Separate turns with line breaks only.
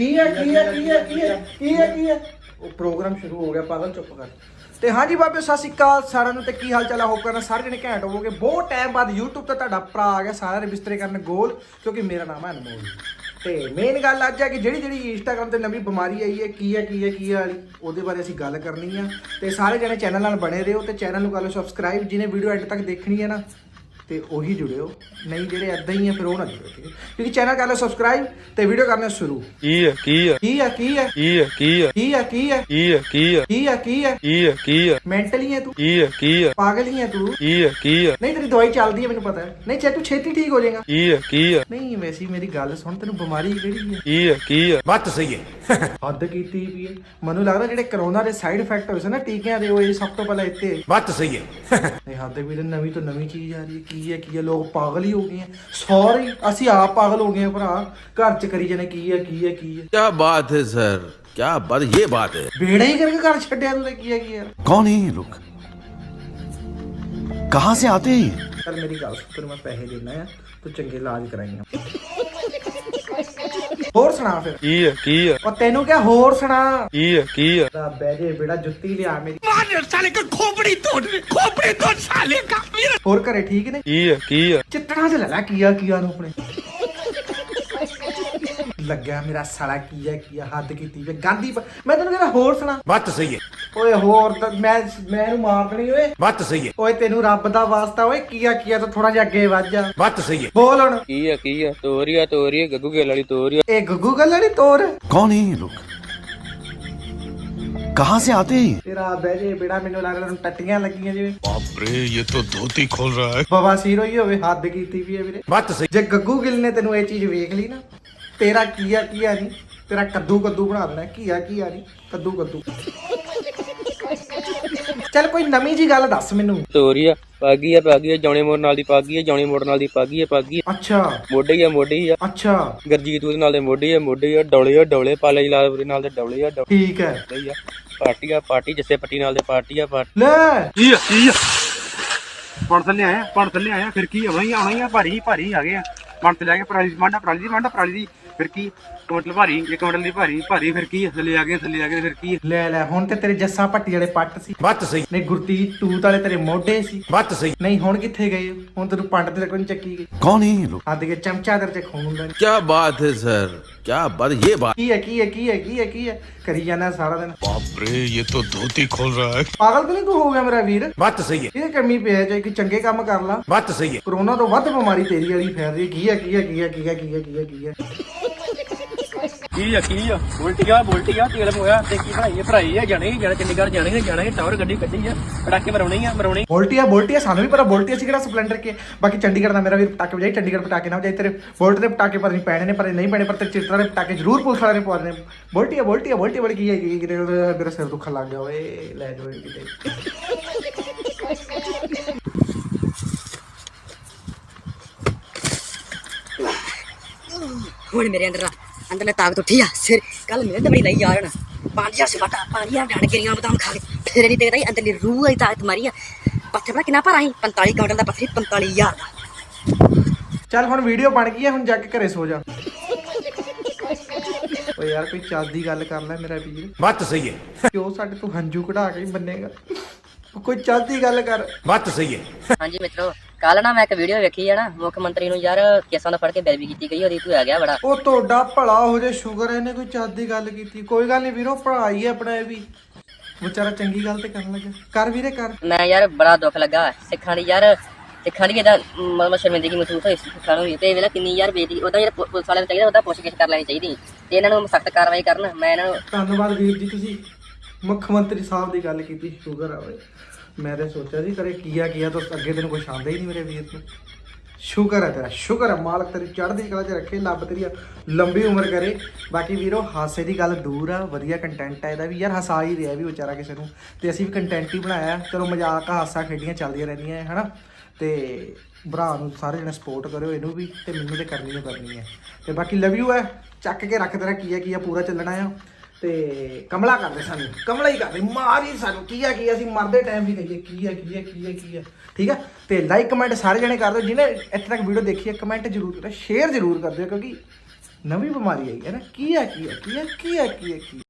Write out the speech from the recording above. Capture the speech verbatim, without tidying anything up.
ਕੀ ਹੈ ਕੀ ਹੈ ਕੀ ਹੈ ਕੀ ਹੈ ਕੀ ਹੈ ਕੀ ਹੈ ਉਹ ਪ੍ਰੋਗਰਾਮ ਸ਼ੁਰੂ ਹੋ ਗਿਆ, ਪਾਗਲ ਚੁੱਪ ਕਰ। ਤੇ ਹਾਂਜੀ ਬਾਬੇ, ਸਤਿ ਸ਼੍ਰੀ ਅਕਾਲ ਸਾਰਿਆਂ ਨੂੰ। ਤੇ ਕੀ ਹਾਲ ਚਾਲ ਆ? ਹੋਪ ਕਰਨਾ ਸਾਰੇ ਜਣੇ ਘੈਂਟ ਹੋਵੋਗੇ। ਬਹੁਤ ਟਾਈਮ ਬਾਅਦ YouTube ਤੇ ਤੁਹਾਡਾ ਭਰਾ ਆ ਗਿਆ ਸਾਰਿਆਂ ਦੇ ਬਿਸਤਰੇ ਕਰਨ ਗੋਲ, ਕਿਉਂਕਿ ਮੇਰਾ ਨਾਮ ਹੈ ਅਨਮੋਲ। ਤੇ ਮੇਨ ਗੱਲ ਅੱਜ ਹੈ ਕਿ ਜਿਹੜੀ ਜਿਹੜੀ ਇੰਸਟਾਗ੍ਰਾਮ ਤੇ ਨਵੀਂ ਬਿਮਾਰੀ ਆਈ ਹੈ, ਕੀ ਹੈ ਕੀ ਹੈ ਕੀ ਹੈ ਵਾਲੀ, ਉਹਦੇ ਬਾਰੇ ਅਸੀਂ ਗੱਲ ਕਰਨੀ ਆ। ਤੇ ਸਾਰੇ ਜਣੇ ਚੈਨਲ ਨਾਲ ਬਣੇ ਰਹੋ ਤੇ ਚੈਨਲ ਨੂੰ ਕਰ ਲਓ ਸਬਸਕ੍ਰਾਈਬ। ਜਿਹਨੇ ਵੀਡੀਓ ਐਂਡ ਤੱਕ ਦੇਖਣੀ ਹੈ ਨਾ ਤੇ ਉਹੀ ਜੁੜਿਓ, ਨਹੀਂ ਜਿਹੜੇ ਐਦਾਂ ਹੀ ਆ ਫਿਰ ਉਹ ਨਾ ਜੁੜਿਓ, ਠੀਕ ਹੈ? ਕਿਉਂਕਿ ਚੈਨਲ ਕਰ ਲਓ ਸਬਸਕ੍ਰਾਈਬ ਤੇ ਵੀਡੀਓ ਕਰਨਾ ਸ਼ੁਰੂ।
ਕੀ ਹੈ ਕੀ ਹੈ
ਕੀ ਹੈ ਕੀ ਹੈ
ਕੀ ਹੈ ਕੀ ਹੈ
ਕੀ ਹੈ ਕੀ ਹੈ
ਕੀ ਹੈ ਕੀ ਹੈ
ਕੀ ਹੈ ਕੀ ਹੈ
ਕੀ ਹੈ ਕੀ ਹੈ
ਮੈਂਟਲੀ ਹੈ ਤੂੰ,
ਕੀ ਹੈ ਕੀ ਹੈ
ਪਾਗਲ ਹੀ ਹੈ ਤੂੰ।
ਕੀ ਹੈ ਕੀ ਹੈ
ਨਹੀਂ ਤੇਰੀ ਦਵਾਈ ਚੱਲਦੀ ਹੈ ਮੈਨੂੰ ਪਤਾ ਹੈ। ਨਹੀਂ ਚਾਹੇ ਤੂੰ ਛੇਤੀ ਠੀਕ ਹੋ ਜਾਏਗਾ।
ਕੀ ਹੈ ਕੀ ਹੈ
ਨਹੀਂ ਵੈਸੇ ਮੇਰੀ ਗੱਲ ਸੁਣ, ਤੈਨੂੰ ਬਿਮਾਰੀ ਕਿਹੜੀ ਹੈ?
ਕੀ ਹੈ ਕੀ ਹੈ
ਬਾਤ ਸਹੀ ਹੈ।
ਹੱਦ ਕੀਤੀ ਵੀ ਹੈ। ਮੈਨੂੰ ਲੱਗਦਾ ਜਿਹੜੇ ਕਰੋਨਾ ਦੇ ਸਾਈਡ ਇਫੈਕਟ ਹੋਏ ਸੀ ਨਾ ਟੀਕਿਆਂ ਦੇ, ਉਹ ਇਹ ਸਭ ਤੋਂ ਪਹਿਲਾਂ ਇੱਥੇ।
ਬਾਤ ਸਹੀ ਹੈ।
ਨਹੀਂ ਹੱਦ ਵੀ ਤੇ ਨਵੀਂ ਤੋਂ ਨਵੀਂ ਚੀਜ਼ ਆ ਰਹੀ ਹੈ। ਕੀ ਹੈ ਕੀ ਹੈ, ਲੋਕ ਪਾਗਲ ਹੀ ਹੋ ਗਏ ਹੈ। ਸੌਰੀ ਅਸੀਂ ਆਪ ਪਾਗਲ ਹੋ ਗਏ ਹਾਂ ਭਰਾ, ਘਰ ਚ ਕਰੀ ਜਾਣੇ ਕੀ ਹੈ ਕੀ ਹੈ ਕੀ ਹੈ।
क्या बात है सर, क्या बात, ये बात है।
ਬੇੜਾ ਹੀ ਕਰਕੇ ਘਰ ਛੱਡਿਆ ਤੂੰ ਤੇ ਕੀ ਹੈ ਕੀ ਹੈ।
कौन है ये लोग, कहाँ से आते हैं ये?
ਚੱਲ ਮੇਰੀ ਗੱਲ ਸੁਣ, ਤੈਨੂੰ ਮੈਂ ਪੈਸੇ ਦੇਣਾ ਆ, ਤੂੰ ਚੰਗੇ ਇਲਾਜ ਕਰਾਈਆਂ। ਹੋਰ ਸੁਣਾ ਫਿਰ।
ਕੀ ਹੈ ਕੀ ਹੈ
ਉਹ ਤੈਨੂੰ ਕਿਹਾ ਹੋਰ ਸੁਣਾ।
ਕੀ ਹੈ ਕੀ ਹੈ
ਦਾ ਬਹਿ ਜੇ ਬੇੜਾ, ਜੁੱਤੀ ਲਿਆ ਮੇਰੀ।
साले का खोपड़ी तोड़ खोपड़ी तोड़ साले का।
ਹੋਰ ਘਰੇ ਠੀਕ ਨੇ?
ਕੀ ਹੈ ਕੀ ਹੈ
ਚਿੱਟਣਾ ਚ ਲੈ ਲੈ ਕੀਆ ਕੀਆ ਨੂੰ ਆਪਣੇ। ਲੱਗਿਆ ਮੇਰਾ ਸਾਲਾ ਕੀਆ ਕੀਆ, ਹੱਦ ਕੀਤੀ ਵੇ ਗਾਂਧੀ। ਮੈਂ ਤੈਨੂੰ ਕਹਿੰਦਾ ਹੋਰ ਸੁਣਾ।
बात सही है।
ਓਏ ਹੋਰ ਤਾਂ ਮੈਂ ਮੈਂ ਇਹਨੂੰ ਮਾਰ ਦੇਣੀ ਓਏ।
बात सही है।
ਓਏ ਤੈਨੂੰ ਰੱਬ ਦਾ ਵਾਸਤਾ ਓਏ, ਕੀਆ ਕੀਆ ਤੋਂ ਥੋੜਾ ਜਿਹਾ ਅੱਗੇ ਵੱਧ ਜਾ।
बात सही है।
ਬੋਲ ਹੁਣ।
ਕੀ ਹੈ ਕੀ ਹੈ ਤੋਰੀਆ ਤੋਰੀਆ ਗੱਗੂ ਗੇਲ ਵਾਲੀ ਤੋਰੀਆ।
ਇਹ ਗੁੱਗੂ ਗੱਲ ਨਹੀਂ ਤੋਰ।
कौन है ये लोग, कहाँ से आते हैं ये?
ਤੇਰਾ ਬਹਿ ਜੇ ਬੇੜਾ, ਮੈਨੂੰ ਲੱਗਦਾ ਤੈਨੂੰ ਟੱਟੀਆਂ ਲੱਗੀਆਂ ਜਿਵੇਂ
बाप रे, ये तो धोती खोल रहा है।
ਬਾਬਾ ਸੀਰ ਹੋਈ ਹੋਵੇ। ਹੱਦ ਕੀਤੀ ਵੀ ਹੈ ਵੀਰੇ।
बात सही।
ਜੇ ਗੱਗੂ ਗਿੱਲ ਨੇ ਤੈਨੂੰ ਇਹ ਚੀਜ਼ ਵੇਖ ਲਈ ਨਾ, ਤੇਰਾ ਕੀਆ ਕੀਆ ਨਹੀਂ, ਤੇਰਾ ਕੱਦੂ ਕੱਦੂ ਬਣਾ ਦੇਣਾ। ਕੀਆ ਕੀਆ ਨਹੀਂ, ਕੱਦੂ ਕੱਦੂ। ਚੱਲ ਕੋਈ ਨਵੀਂ ਜੀ ਗੱਲ ਦੱਸ ਮੈਨੂੰ।
ਤੋਰੀਆ ਪਾਗੀ ਹੈ ਪਾਗੀ ਹੈ ਜੌਣੀ ਮੋੜ ਨਾਲ ਦੀ ਪਾਗੀ ਹੈ ਜੌਣੀ ਮੋੜ ਨਾਲ ਦੀ ਪਾਗੀ ਹੈ ਪਾਗੀ ਹੈ
ਅੱਛਾ
ਮੋਢੇ ਹੀ ਹੈ ਮੋਢੇ ਹੀ ਹੈ
ਅੱਛਾ
ਗਰਜੀਤ ਉਹਦੇ ਨਾਲ ਦੇ ਮੋਢੇ ਹੈ ਮੋਢੇ ਹੈ ਡੌਲੇ ਹੈ ਡੌਲੇ ਪਾਲੇ ਲਾਲ ਦੇ ਨਾਲ ਦੇ ਡੌਲੇ ਹੈ ਡੌਲੇ
ਠੀਕ ਹੈ।
ਹੀ ਆ ਪਾਰਟੀ ਆ ਪਾਰਟੀ ਜੱਸੇ ਪੱਟੀ ਨਾਲ ਦੇ ਪਾਰਟੀ ਆ ਪਾਰਟੀ।
ਲੈ
ਕੀ ਹੈ ਕੀ ਹੈ ਪਣ ਥੱਲੇ ਆਇਆ ਪਣ ਥੱਲੇ ਆਇਆ ਫਿਰ ਕੀ ਆਉਣਾ ਹੀ ਆਉਣਾ ਹੀ ਆ। ਭਾਰੀ ਭਾਰੀ ਆ ਗਏ ਆ। ਪਣ ਤੇ ਲੈ ਕੇ ਪਰਾਲੀ ਮਾਂਡਾ ਪਰਾਲੀ ਦੀ ਮਾਂਡਾ ਪਰਾਲੀ ਦੀ ਫਿਰ ਕੀ ਕੁਇੰਟਲ ਭਾਰੀ ਇੱਕ ਕੁਇੰਟਲ ਦੀ ਭਾਰੀ ਭਾਰੀ ਫਿਰ ਕੀ ਥੱਲੇ ਆ ਗਏ ਥੱਲੇ ਆ ਗਏ ਫਿਰ ਕੀ।
ਲੈ ਲੈ ਹੁਣ ਤੇ ਤੇਰੇ ਜੱਸਾ ਭੱਟੀ ਵਾਲੇ ਪੱਟ ਸੀ।
बात सही।
ਨਹੀਂ ਗੁਰਤੀਜ ਟੂਤ ਵਾਲੇ ਤੇਰੇ ਮੋਢੇ ਸੀ।
बात सही।
ਨਹੀਂ ਹੁਣ ਕਿੱਥੇ ਗਏ? ਹੁਣ ਤੈਨੂੰ ਪੰਡ ਤੇ ਕੋਈ ਚੱਕੀ ਗਈ।
कौन है ये लोग,
ਹੱਦ ਕੇ ਚਮਚਾ ਤੇਰੇ ਚ ਖੂਨ ਹੁੰਦਾ ਨੀ।
क्या बात है सर, क्या बात, ये बात।
ਕੀ ਹੈ ਕੀ ਹੈ ਕੀ ਹੈ ਕੀ ਹੈ ਕੀ ਹੈ ਕਰੀ ਜਾਂਦਾ ਸਾਰਾ ਦਿਨ।
बाप रे, ये तो धोती खोल रहा है।
ਪਾਗਲ ਤਾਂ ਨਹੀਂ ਤੂੰ ਹੋ ਗਿਆ ਮੇਰਾ ਵੀਰ?
बात सही है।
ਇਹ ਕਮੀ ਪਿਆ ਜੇ ਕਿ ਚੰਗੇ ਕੰਮ ਕਰ ਲਾ।
बात सही है।
ਕਰੋਨਾ ਤੋਂ ਵੱਧ ਬਿਮਾਰੀ ਤੇਰੀ ਵਾਲੀ ਫੈਲ ਰਹੀ। ਕੀ ਹੈ ਕੀ ਹੈ ਕੀ ਹੈ ਕੀ ਹੈ ਕੀ ਹੈ ਕੀ ਹੈ ਕੀ ਹੈ
ਕੀ ਆ ਕੀ ਆ ਬੋਲਟੀਆ ਬੋਲਟੀਆ ਤੇਲ ਮੋਇਆ ਤੇ ਕੀ ਬਣਾਈ ਹੈ ਭਰਾਈ ਹੈ ਜਾਣੇ ਜਾਣੇ ਚੰਡੀਗੜ੍ਹ ਜਾਣੇ ਨੇ ਜਾਣੇ ਟਾਵਰ ਗੱਡੀ ਕੱਢੀ ਆ ਪਟਾਕੇ ਮਰਾਉਣੇ ਆ ਮਰਾਉਣੇ।
ਬੋਲਟੀਆ ਬੋਲਟੀਆ ਸਾਨੂੰ ਵੀ ਪਤਾ ਬੋਲਟੀਆ ਸੀ ਕਿਹੜਾ ਸਪਲੈਂਡਰ ਕੇ। ਬਾਕੀ ਚੰਡੀਗੜ੍ਹ ਦਾ ਮੇਰਾ ਵੀਰ ਪਟਾਕੇ ਵਜਾਈ, ਚੰਡੀਗੜ੍ਹ ਪਟਾਕੇ ਨਾ ਵਜਾਈ। ਤੇਰੇ ਬੋਲਟ ਦੇ ਪਟਾਕੇ ਪਰ ਨਹੀਂ ਪੈਣੇ ਨੇ, ਪਰ ਨਹੀਂ ਪੈਣੇ, ਪਰ ਤੇਰੇ ਚਿੱਤਰਾਂ ਦੇ ਪਟਾਕੇ ਜ਼ਰੂਰ ਪੁਲਿਸ ਵਾਲੇ ਨੇ ਪਵਾਉਣੇ। ਬੋਲਟੀਆ ਬੋਲਟੀਆ ਬੋਲਟੀਆ ਬੜੀ ਕੀ ਹੈ ਕੀ ਕਿਤੇ ਮੇਰਾ ਸਿਰ ਦੁੱਖਣ ਲੱਗ ਗਿਆ ਓਏ। ਲੈ ਜਾਓ ਕਿਤੇ।
ਹੁਣ ਮੇਰੇ ਅੰਦਰ ਅੰਦਰਲੇ ਤਾਕਤ ਉੱਠੀ ਆ। ਸਿਰ ਕੱਲ ਮੇਰੇ ਦਬੜੀ ਲਈ ਆ ਜਾਣਾ ਪੰਜ ਹਜ਼ਾਰ ਸਵਾਟਾ ਪਾਣੀ ਆ ਡਾਣ ਗਿਰੀਆਂ ਬਦਾਮ ਖਾ ਕੇ ਫਿਰ ਨਹੀਂ ਦੇਖਦਾ ਅੰਦਰਲੀ ਰੂਹ ਦੀ ਤਾਕਤ ਮਾਰੀ ਆ। ਪੱਥਰ ਪਤਾ ਕਿੰਨਾ ਭਰਾ ਸੀ? ਪੰਤਾਲੀ ਕਾਉਂਟਲ ਦਾ ਪੱਥਰ ਪੰਤਾਲੀ ਹਜ਼ਾਰ ਦਾ।
ਚੱਲ ਹੁਣ ਵੀਡੀਓ ਬਣ ਗਈ ਹੈ, ਹੁਣ ਜਾ ਕੇ ਘਰੇ ਸੋ ਜਾ। ਓ ਯਾਰ ਕੋਈ ਚੱਜ ਦੀ ਗੱਲ ਕਰ ਲੈ ਮੇਰਾ ਵੀਰ।
बात सही है।
ਕਿਉਂ ਸਾਡੇ ਤੋਂ ਹੰਝੂ ਕਢਾ ਕੇ ਹੀ ਬੰਨੇਗਾ? ਕੋਈ ਚੱਜ ਦੀ ਗੱਲ ਕਰ।
बात सही है।
ਹਾਂਜੀ ਮਿੱਤਰੋ, ਕੱਲ ਨਾ ਮੈਂ ਇੱਕ ਵੀਡੀਓ ਵੇਖੀ ਆ ਨਾ, ਮੁੱਖ ਮੰਤਰੀ ਨੂੰ ਯਾਰ ਕੇਸਾਂ ਦਾ ਫੜ ਕੇ ਬੇਇੱਜ਼ਤੀ ਕੀਤੀ ਗਈ, ਉਹਦੀ ਤੂੰ ਆ ਗਿਆ ਬੜਾ।
ਉਹ ਤੁਹਾਡਾ ਭਲਾ ਹੋ ਜੇ, ਸ਼ੁਕਰ ਇਹਨੇ ਕੋਈ ਚੱਜ ਦੀ ਗੱਲ ਕੀਤੀ। ਕੋਈ ਗੱਲ ਨਹੀਂ ਵੀਰੋ, ਪੜਾਈ ਹੈ ਆਪਣਾ ਇਹ ਵੀ। ਵਿਚਾਰਾ ਚੰਗੀ ਗੱਲ ਤੇ ਕਰਨ ਲੱਗਾ। ਕਰ ਵੀਰੇ ਕਰ।
ਮੈਂ ਯਾਰ ਬੜਾ ਦੁੱਖ ਲੱਗਾ ਸਿੱਖਾਂ ਦੀ ਯਾਰ, ਸਿੱਖਾਂ ਦੀ ਇਹਦਾ ਮਤਲਬ ਸ਼ਰਮਿੰਦਗੀ ਮਹਿਸੂਸ ਹੋਈ ਸਿੱਖਾਂ ਨੂੰ ਵੀ। ਤੇ ਵੇਲਾ ਕਿੰਨੀ ਯਾਰ ਬੇਇੱਜ਼ਤੀ ਉਹਦਾ ਯਾਰ ਪੁਲਿਸ ਵਾਲਿਆਂ ਨੂੰ ਚਾਹੀਦਾ ਉਹਦਾ ਪੁੱਛਗਿੱਛ ਕਰ ਲੈਣੀ ਚਾਹੀਦੀ ਤੇ ਇਹਨਾਂ ਨੂੰ ਸਖਤ ਕਾਰਵਾਈ ਕਰਨ। ਮੈਂ ਇਹਨਾਂ ਨੂੰ
ਧੰਨਵਾਦ ਵੀਰ ਜੀ, ਤੁਸੀਂ ਮੁੱਖ ਮੰਤਰੀ ਸਾਹਿਬ ਦੀ ਗੱਲ ਕੀਤੀ, ਸ਼ੁਕਰ ਆ ਓਏ। ਮੈਂ ਤਾਂ ਸੋਚਿਆ ਸੀ ਕਰੇ ਕੀਆ ਕੀਆ ਤੋਂ ਅੱਗੇ ਤੈਨੂੰ ਕੁਛ ਆਉਂਦਾ ਹੀ ਨਹੀਂ ਮੇਰੇ ਵੀਰ ਨੂੰ। ਸ਼ੁਕਰ ਹੈ ਤੇਰਾ, ਸ਼ੁਕਰ ਹੈ। ਮਾਲਕ ਤੇਰੀ ਚੜ੍ਹਦੀ ਕਲਾ 'ਚ ਰੱਖੇ, ਲੱਭ ਤੇਰੀ ਲੰਬੀ ਉਮਰ ਕਰੇ। ਬਾਕੀ ਵੀਰੋ ਹਾਸੇ ਦੀ ਗੱਲ ਦੂਰ ਆ, ਵਧੀਆ ਕੰਟੈਂਟ ਆ ਇਹਦਾ ਵੀ ਯਾਰ। ਹਸਾ ਹੀ ਰਿਹਾ ਵੀ ਵਿਚਾਰਾ ਕਿਸੇ ਨੂੰ, ਤੇ ਅਸੀਂ ਵੀ ਕੰਟੈਂਟ ਹੀ ਬਣਾਇਆ। ਚਲੋ ਮਜ਼ਾਕ ਹਾਸਾ ਖੇਡੀਆਂ ਚੱਲਦੀਆਂ ਰਹਿੰਦੀਆਂ ਹੈ ਹਨਾ। ਤੇ ਭਰਾ ਨੂੰ ਸਾਰੇ ਜਣੇ ਸਪੋਰਟ ਕਰਿਓ ਇਹਨੂੰ ਵੀ, ਤੇ ਮੈਨੂੰ ਤੇ ਕਰਨੀ ਓ ਕਰਨੀ ਹੈ। ਤੇ ਬਾਕੀ ਲਵ ਯੂ ਹੈ। ਚੱਕ ਕੇ ਰੱਖ ਤੇਰਾ ਕੀ ਹੈ ਕੀ ਆ ਪੂਰਾ ਚੱਲਣਾ ਆ। ਤੇ ਕਮਲਾ ਕਰਦੇ ਸਾਨੂੰ, ਕਮਲਾ ਹੀ ਕਰਦੇ, ਮਾਰ ਹੀ ਸਾਨੂੰ। ਕੀ ਹੈ ਕੀ ਅਸੀਂ ਮਰਦੇ ਟਾਈਮ ਵੀ ਕਹੀਏ ਕੀ ਹੈ ਕੀ ਹੈ ਕੀ ਹੈ ਕੀ ਹੈ। ਠੀਕ ਹੈ। ਤੇ ਲਾਈਕ ਕਮੈਂਟ ਸਾਰੇ ਜਣੇ ਕਰ ਦਿਓ। ਜਿਹਨੇ ਇੱਥੇ ਤੱਕ ਵੀਡੀਓ ਦੇਖੀ ਹੈ ਕਮੈਂਟ ਜ਼ਰੂਰ ਕਰਿਓ, ਸ਼ੇਅਰ ਜ਼ਰੂਰ ਕਰ ਦਿਓ, ਕਿਉਂਕਿ ਨਵੀਂ ਬਿਮਾਰੀ ਆਈ ਹੈ ਨਾ ਕੀ ਹੈ ਕੀ ਹੈ ਕੀ ਹੈ ਕੀ ਹੈ ਕੀ ਹੈ ਕੀ ਹੈ?